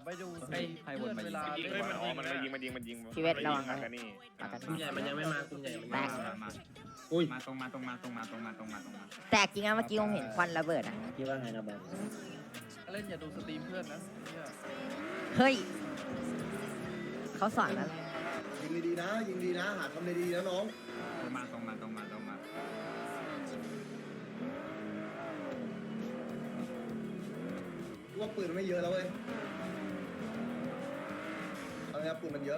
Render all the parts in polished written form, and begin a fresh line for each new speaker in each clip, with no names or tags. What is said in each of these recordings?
ไปดู
เฮ้ยใครวนมายิง
เวลา
เฮ้ยมันมันยิง
ชีวิตระวัง
นะ
นะ
กันนี่
กลุ่มใหญ่มันยังไม่มากลุ่มใหญ่มัน
แต
ยัง
ก
ไม่มา
อุ้ยมาตรงมา
แตกจริงนะเมื่อกี้ผมเห็นควันระเบิดอ่ะ
คิดว่าไงนะบอล
เล่นอย่าดูสตรีมเพื่อนนะเนี่ย
เฮ้ยเขาสอนแล้ว
ยิงดีๆนะยิงดีนะหาทำดีๆนะน้อง
ตรงมา
ว่าปืนมันไม่เยอะแล้วเว้ยเอาไงปืนมันเยอะ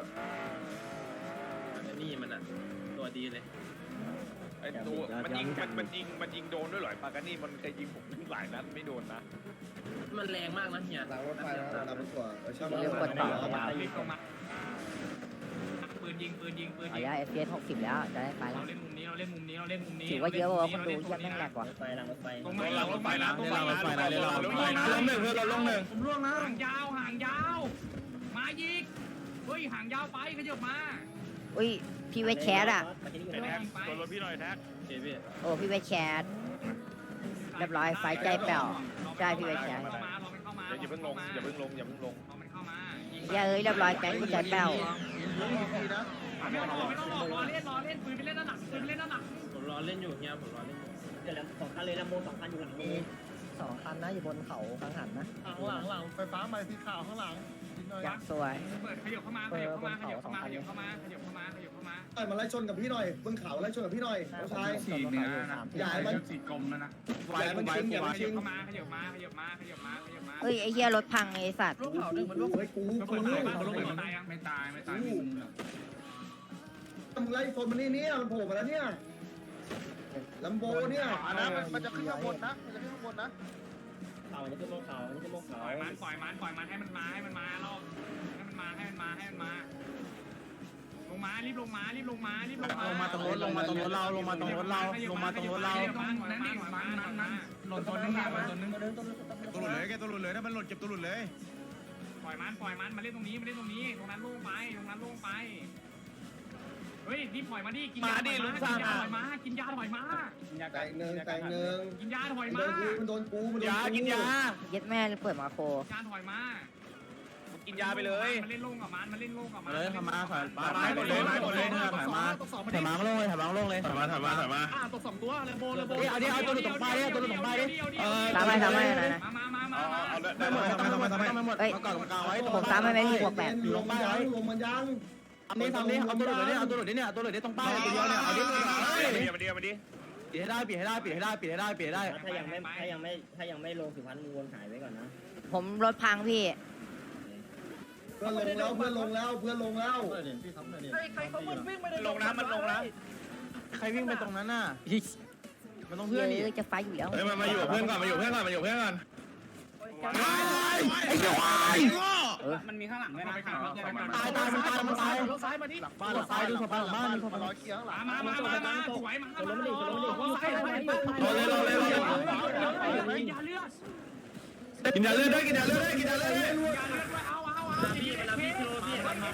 นี่มันอ่ะตัวดีเลย
ไอ้ตัวมันยิงโดนด้วยเหรอปากานี่มันเคยยิงผมหลายนัดไม่โดนนะ
มันแรงมากนะเฮีย
หลังรถไฟนะหลังรถกว่าช่าง
เรียกกดต่อ
เล่นตรงมาปืนยิง
เอาย่า FPS 60แล้วจะได้ไปแล้ว
เราเล่นมุมนี้
ถือว่าเยอะกว่าคนดูที่ยังแม่งแหลกกว่า
ไฟหลังรถไฟ
ตรงมาลงไปนะ
ลงหนึ่งเพื่อนเราลงหนึ่ง
ผมล่วงนะห่างยาวมายิงเฮ้ยห่างยาวไปขยับมา
อุ้ยพี่เวทแคสอ่ะ
ตัวรถพี่หน่อยแท็ก
เจพี่
โอ้พี่เวทแคสเรียบร้อยไฟใจแป่วได้พี่เวทแคส
เข้ามา
อย่าเพิ่งลง
เอามันเข้ามายิง
อย่าเอ้ยเรียบร้อยแก๊งกูใจแป่ว
ไม่ต้องรอเล่นปืนไปเล่นด้านหลัง
ผมรอเล่นอยู่เฮียผมรอเล่นอยู่
เดี๋ยวแล้ว2 คันเลยนะโม2 คันอยู่หลังนี้
2 คันนะอยู่บนเขากังหันนะ
หลังไฟฟ้าใหม่สีขาวข้างหลัง
อยากสวย
เปิดขยับเข้ามา
ไอ้มาไล่ชนกับพี่หน่อยบนเขาไล่ชนกับพี่หน่อยน้องชาย
สี่เนื้อนะ
อย่าให้มัน
สี่กลมแล้วนะ
อย่าให้มันชิงอย่าให้มันชิง
เข้ามาขยับมา
เฮ้ยไอ้เหี้ยรถพังไอ้สัตว์
ลูกเผาหนึ่งมันลูก
เฮ้ยกู
ไม่ตาย
มึงไล่ชนมันนี่เนี่ยมันโผล่มาแล้วเนี่ยลัมโบเนี่ย
มันจะขึ้นข้างบนนะมันจะขึ้นข้างบนนะ
เขานี่คือโมเขานี่คือโมเขา
ปล่อยมันให้มันมารอบให้มันมาลงมารีบลงมาลงมาตรงรถเราลงมาตรงรถเราหล่นตัวนึง
ตัวหลุดเลยแกตัวหลุดเลยถ้ามันหลุดเก็บตัวหลุดเลย
ปล่อยมันมาเล่นตรงนี้ตรงนั้นโล่งไปเฮ้ยรีบปล่อยมาดิกินยาถอยมากินยาถอยมา
แต่งหนึ่ง
กินยาถอย
มัน
มา
โดนกูมันโดนกู
ยากินยา
เย็ดแม่เลยเปิดมาโค
ยาถอยมา
กินยาไปเลย
มันเล่นโล่งกับมัน
เลยถอยมาลงเลยถอยมา
ตก2 ตัวเลยโบ
เอาดิเอาตัวหลุดตรงป้ายดิตัวหลุดตรงป้ายดิ
ตามไปนะ
มา
ทำหมดเอาก่อนตรงกลางไว้
ผมตามไปไหมพี่บวก8
ลงมันยังลงมันยัง
ทำนี่เอาตัวหลุดเลยเนี่ยเอาตัวหลุดเนี่ยตัวหลุดเนี่ยตรงป้ายตัวเดียวเนี่ยเอาดิ
มาดิ
ปิดให้ได้
ถ้ายังไม่ลงสุพรรณมูลหายไว้ก่อนนะ
ผมรถพังพี่
เพื่อนลงแล้ว
ใครเขามันวิ่งไป
ลงน้ำมันลงน้
ใครวิ่งไปตรงนั้นน่ะมันต้อง
เพื่
เพื่
อ
อน น
นี่
นี่
จะไฟอยู่แล้ว
มาอยู่เพื่อนก่อนไอ้เหี้ยวาย
มันมีข้างหลังด้วยนะ
ตายมันตาย
รถซ้ายมาดิ
บ้านเราตายดูสภาพบ้านดูสภาพ
รอเคียงหลัง
มาสวยมากินยาเลือด
กินยาเลือดด้วย
เอาพี่เวลาพี่โลพี่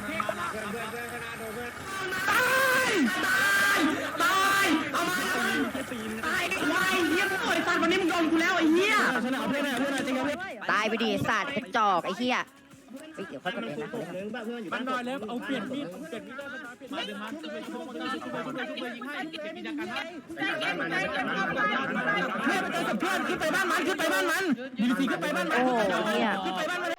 ฉันเอาเพื่อนจริงเอาเพื่อน
ตายไปดิสัตว์กระจอกไอ้เหี้ยเฮ้ยเดี๋ยวค่อยกดเองนะ
นึงบ้าเพื่อนอยู่
มั
บ้าน น
นอนแล้วเอาเปลี่ยนมีดมาดึงมายิงให้มีจักรให้
เพื่อนขึ้นไปบ้านมันยูนิซีขึ้นไปบ้านมัน
โอ้โหเหี้ย
ขึ้นไปบ้านมัน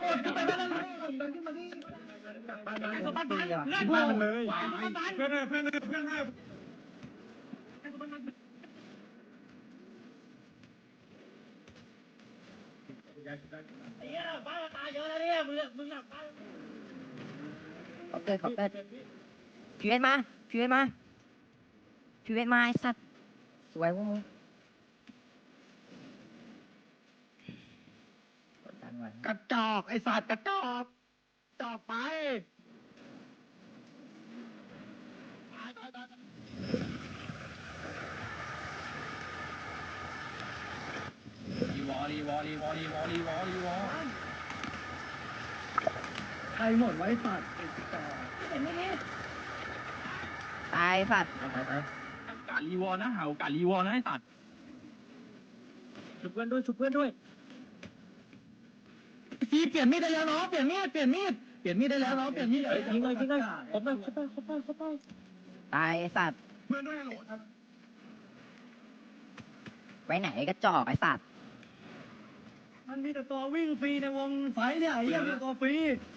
ขอเกิดพี่เวทมาไอ้สัตว์สวยพวกมึงกดดันไว้
กระจอกไอสัตว์กระจอกจอกไป
ใครหมดไว้สัตว์
ตายสัตว์
กาลีวอนะเห่ากาลีวอนะไอ้สัตว์
ชุบเพื่อนด้วย
พี่เปลี่ยนมีดได้แล้วน้องเปลี่ยนมีดได้แล้วน้องเปลี่ยนมีดยิงเลยครบไป
ตายไอ้สัตว์
เพื่อนด้วยฮัลโหล
ไปไหนกระจอกไอ้สัตว์
มันมีแต่ตัววิ่งฟรีในวงไฟเนี่ยไอ้เหี้ยมีตัวฟรี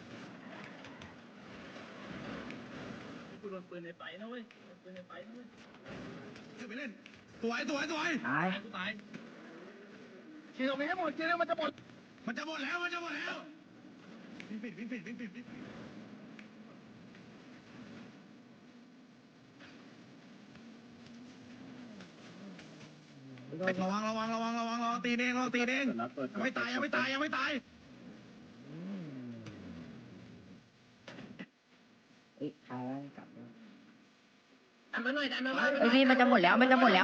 กูโดนปืนในไฟนะเว้ยปืนในไฟนะเว้ย
ไปเล่นสวย
ตาย
กูตาย
ขี่ตรงนี้ให้หมดขี่เลยมันจะหมด
มันจะหมดแล้ววิ่งปิดระวังตีเองยังไม่ตาย
เอ้ยตายกลับ
ดันมาหน่อยดันมา
เอ้ยพี่มันจะหมดแล้ว
กลับมา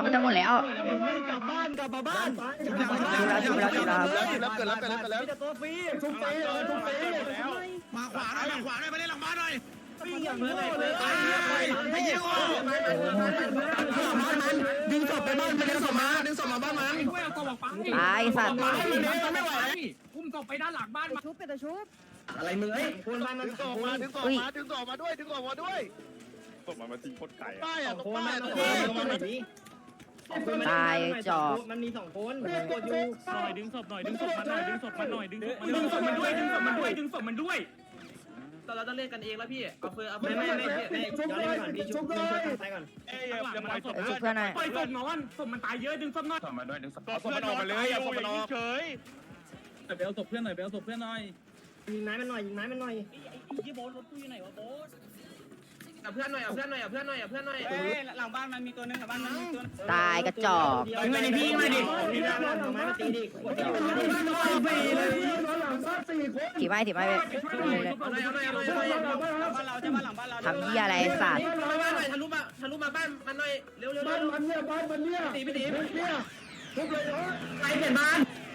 บ้าน
จุบแล้ว
เกิดแล้ว
มีแต่ตัวฟรีทุบฟรีมาขวาหน่อยมาเล่นหลังบ้านหน่อยวิ่งอย่างโง่เลยไอ้เหี้ยโง่ดึงศพไปบ้านมันดึงศพมาบ้านมัน
ช่วยเอาตัวออกไป
ตายไอ้สัตว์
อุ้มศพไปด้านหลังบ้านมา
อะไรมึงเอ้ยคนบ้านมัน
ดึงศพมาดึงศพมาด้วย
ศพมันทิ้งโคตรไกล
ป้าย
ส
อ่ะ
อง
ตรง
คน
ป้าย
มา
ต
ต
ร
รง ง
ป้าย
ไหนดิมันมี2 คนกดอยู่
ดึงศพมันด้วย
แต่เราต้องเล่นกันเองแล้วพี่เอาเฟอร์เอาเฟอ
ไม่
ร์
ย้อนเล่นก่อนพี่ชุบไปก่อน
เอ้ยอย่าปล่อยศพ
เอ้ยจุบเพื่อนหน่อย
ปล่อยศพนอนศพมันตายเยอะดึงศพหน่อย
เอาศพมันออกมาเลยเอาศพมันออกเฉย
ไปเอาศพเพื่อนหน่อย
ยิงไม้มันหน่อย
เอาเพื่อนหน่อย
หลังบ้านมันมีตัวนึงหลังบ้านมันมีตัว
ตายกระจอก
ยิงมาดิพี่มาดิพี่เอาไม้มาตีดิ
ถีบไม้ไป
เอาหน่อย
บ้านเราจะบ้านหลังบ้านเรา
ทำเหี้ยอะไรไอ้สัตว์
บ้านหน่อยทะลุมาบ้านมันหน่อยเร็ว
บ้านมันเนี่ย
ตี
พี่
พี่ตี
เนี่ยทุบเลยเนาะ
ไปเปลี่ยนบ้าน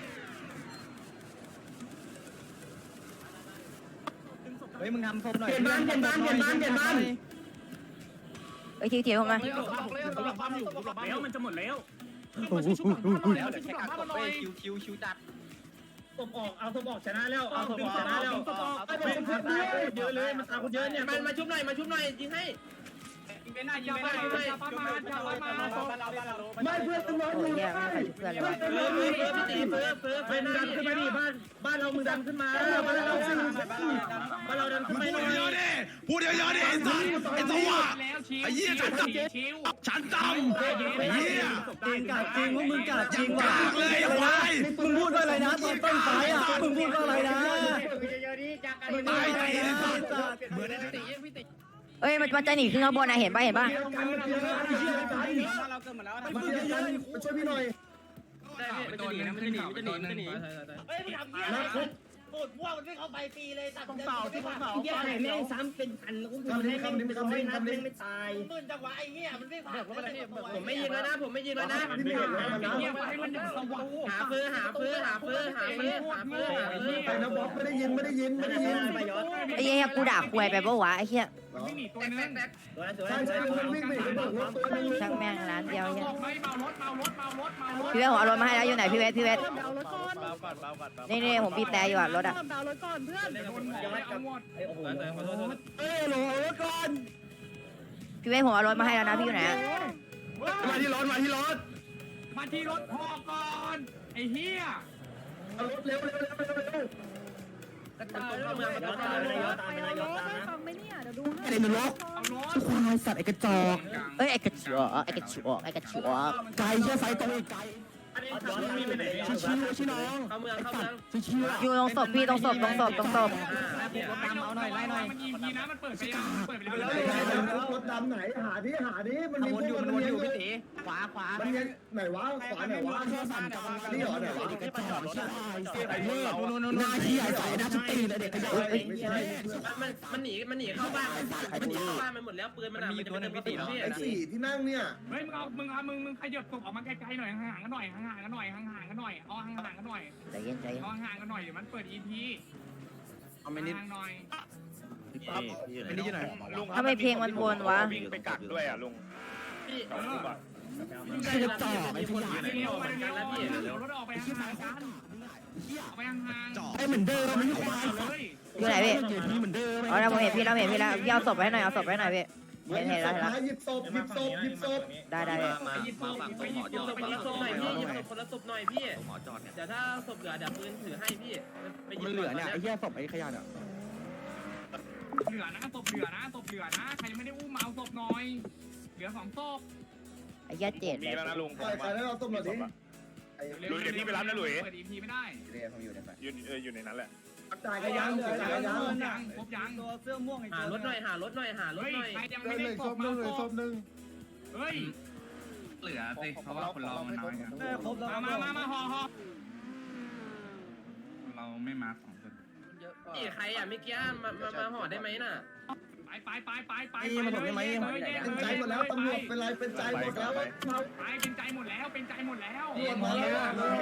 เฮ้ยมึงทำศพหน่อย
เปลี่ยนบ้าน
เอ้ยทีผมมา
แล้วมันจะหมดแล้ว
ศพออกเอาศพออกชนะแล้วเอาศพออกชนะแล้วเยอะเลยมันตามคนเยอะเนี่ย
มันมาชุบหน่อยยิงให้
เป็นหน้ายิงไปหน้าอย่าป้ามา
ไม่เพื่อนน้อง
โอ้
อย ยู่
เหี้ยไม่ใส่เพื่อนเลยวะ
พี่ตีเฟอร์
ไปมึงดันขึ้นมาดิบ้านเรามึงดันขึ้นมาบ้านเราดันขึ้นมาหน่อยพูดเยอะดิไอ้สัตว์ไอ้ตัวไอ้เหี้ยฉันจำไอ้เหี้ยจริงกัดจริงว่ามึงกัดจริงว่ะเลยไอ้มึงพูดว่าอะไรนะตอนต้นสายอ่ะมึงพูดว่าอะไรนะมึงตายไอ้สัตว์เหมือน
เอ้ยมันจะหนีขึ้นข้างบนนะเห็นป่ะ
เราเกิดหมดแล้ว
มาช่วยพี่หน่อย
มันจะหนีนะมันจะหนี
เฮ้ยมึงทำเหี้ยโคตรพวกมันไม่เข้าไปตีเลยตัดเหี้ยไข่แม่งซ้ำเป็นพันอุ้มให้แม่งไม่ตายตื่นจังหวะไอ้เหี้ยมันไม่ผ่าน
ผมไม่ยิงแล้วนะ
พี่เหนื่อยแล้วนะ
หาเฟอร์
ไปนะบ๊อบไม่ได้ยิน
ไปย้อน
ไอ้เหี้ยกูด่าควยไปปะวะไอ้เหี้ย
ไม่หนีตัวนึง
ใช่มันวิ่งไปกระโดดรถตัวนึง
ช่างแม่งร้านเดียวเหี้ย
ไม่เมารถ
พี่เวทผมเอารถมาให้แล้วอยู่ไหนพี่เวทนี่ผมบีบแต่อยู่อะรถอะ
เอาหมด
โอ้โห
โหลรถก่อน
พี่เวทผมเอารถมาให้แล้วนะพี่อยู่ไหนอะ
มาที่รถ
มาที่รถพอก่อนไอ้เหี้ย
เอารถเร็ว
เข้าเมือง
ย้อนตามไปนะย้อนตามนะ
ไอ้นรก
เอารถ
ควายสัตว์ไอ้กระจอก
เอ้ยไอ้กระจอก
ไก่เชื่อไฟตรงไอ้ไก่
ย้อนตามไปไหน
ชี้น้อง
เข้าเมือง
ชี้
อยู่ตรงศพพี่ตรงศพ
มันยิงทีนะมันเปิดไปแล้ว
รถดำไหนหาดิมันมีพวกมันอยู่พี่ตี
ขวา
มันยังไหนวะขวาไหนวะนี่เหรอไหนวะ
กระจอกไอ้เมื่อหน้าที่ไอ้ใส่หน้าชุดตีนเด็กกระจอก
ไม่ใช่
มันหนีเข้าบ้านมันหมดแล้วปืนมันมีตัวนึงพี่ตี
ไอ้สี่ที่นั่งเนี่ย
เฮ้ยมึงขยับศพออกมาไกลๆหน่อยห่างๆกันหน่อยเอาห่างๆกันหน่อยเอาห่างๆกันหน่อย
ใจเย็น
เอาห่างๆกันหน่อยเดี๋ยวมันเปิด EP
เอาไม่นิด
ห่างๆหน่อย
ไม่นิดอยู่ไหน
ทำไมเพลงมันวนวะ
วิ่งไปกัดด้วยอ่ะลุง
พี่
กระจอกไอ้ที่
เร็วรถออกไปห่างๆกันเอาไปห่างๆ
จ่อให้เหมือนเดิมมันไม่ควาย
เลย
อยู่ไหนพี่
อยู่ที่เหมือนเดิม
อ๋อเราเห็นพี่เราเห็นพี่แล้วพี่เอาศพไว้ให้หน่อยเอาศพไว้ให้หน่อยพี่เห็นแล้ว
หยิบศพหยิบศพหยิบศพ
ได้ได้พี่
ไปหยิบศพคนละศพหน่อยพี่หยิบศพคนละศพหน่อยพี่เดี๋ยวถ้าศพเหลือเดี๋ยวปืนถือให้พี่ไปหยิบ
มันเหลือเนี่ยไอ้เหี้ยศพไอ้ขยะเนี่ย
เหลือนะศพเหลือนะศพเหลือนะใครยังไม่ได้อุ้มมาเอาศพหน่อยเหลือ2ศพ
ไอ้เหี้ยเจ็ด
มีแล้วนะลุง
ใครใครได้เราต้มหน่อยดิ
ลุยเดี๋ยวพี่ไปรับนะลุย
เปิด EP ไม่ได้
อยู่ในนั้นแหละ
จ่ายกันยังจ่ายกันยัง
ครบยัง
ตัวเสื้อม่วงไอ้
หารถหน่อยหารถหน่อยหารถ
เฮ้ย
หน่อย
ใครยังไม่ได้ศพมาศพเฮ้ย
เหลือสิเพราะว่าคนเรามันน้อยครับ
ครบแล้ว
มาห่อ
เราไม่มา2 คน
พี่ใครอ่ะเมื่อกี้มาห่อได้ไหมน่ะ
ไป
เป็นใจหมดแล้วตำรวจเป็นไรเป็นใจหมดแล้ว
ไปเป็นใจหมดแล้วเป็นใจหมดแล้ว
ตำรวจมาแล้ว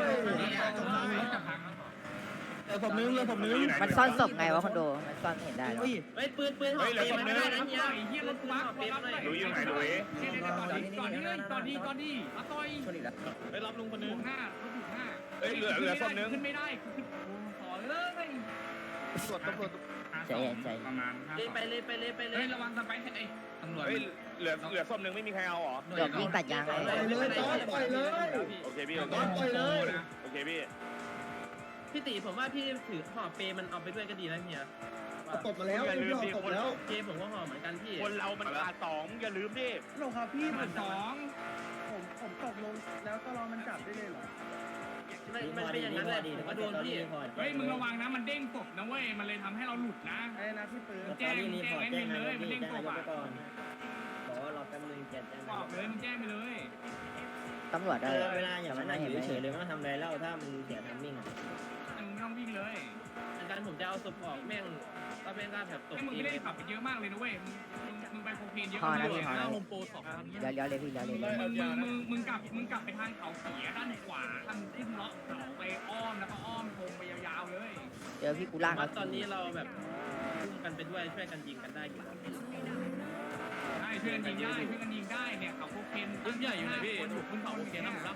ศพนึงเลยศพนึง
มันซ่อนศพไงวะคอนโดมันซ่อนเห็นได้หรอ
เฮ้ยปืนห่อเปมันไม่ได้นะเฮีย
เฮียรถกูมา
ห่อเปมันหน่อย
ลุยอยู่ไหนลุย
ก่อนดีมาต่อย
ไปรับลุงคนนึ
ถู
ง
กหน้าเขาถูกหน้า
เฮ้ยเหลือศพนึง
ขึ้นไม่ได้ขอเลย
ตำรวจ
ใจเย็นใจ
ประมาณ
ไปเลย
ระวังสไปร์ไอ้
ตำรวจ
เฮ้ยเหลือศพนึงไม่มีใครเอาหรอ
เดี๋ยววิ่งตัดยางเลย
ปล่อยเลยต้อนปล่อยเลย
โอเคพี่
ต้อนปล่อยเลย
โอเคพี่
พี่ตีผมว่าพี่ถือห่อเปมันเอาไปด้วยก็ดีนะเฮีย
ตบมาแล้วพี่ออกตบแล้ว
เกมผมก็ห่อเหมือนกันพี่
คนเรามันขาด2อย่าลืมดิ
หลงครับพี่
สอง
ผมตกลงแล้วก็รอมันจับได้เลยเหรอ
มันเป็นอย่างนั้นแหละผมก็โดนพี่
เฮ้ยมึงระวังนะมันเด้งศพนะเว้ยมันเลยทำให้เราหลุดนะ
ไอ้นะพี่ปืน
แจ้งไอ้มินเลยมันเด้งศพอ่ะ
บอกว่ารอแป๊บนึงแจ้ง
บอกเลยมึงแจ้งไปเลย
ตำรวจได้
เวลาอย่างนั้นอยู่เฉยเลยไม่ต้องทำอะไรแล้วถ้ามันเสียทัมมิ่ง
มึงต้องวิ่งเลย
อาจารย์ผมจะเอาศพออกแม่งก็แม่งก็แบบตก
ไอ้มึง
ที
ไม่ได้ขับไปเยอะมากเลยนะเว้ยมึงไปโคเคนเยอะ
พอ
มาก
นะ
เล
พี่
ย
พอนะ
ลงโปร2
เดี๋ยวเลยพี่เดี๋ยวเลย
มึงกลับไปทางเขาเขียด้านขวาทางขึ้นเลาะเขาไปอ้อมแล้วก็อ้อมโค้งไปยาวๆเลย
เจอพี่กูล่าง
ว่าตอนนี้เราแบบพุ่งกันไปด้วยช่วยกันยิงกันได้อยู่
ได้ช่วยกันยิงได้เนี่ยเขาโคเคน
รุ่นใหญ่อยู่ไหนพี่
คนอยู่บนเขาโคเคนนะ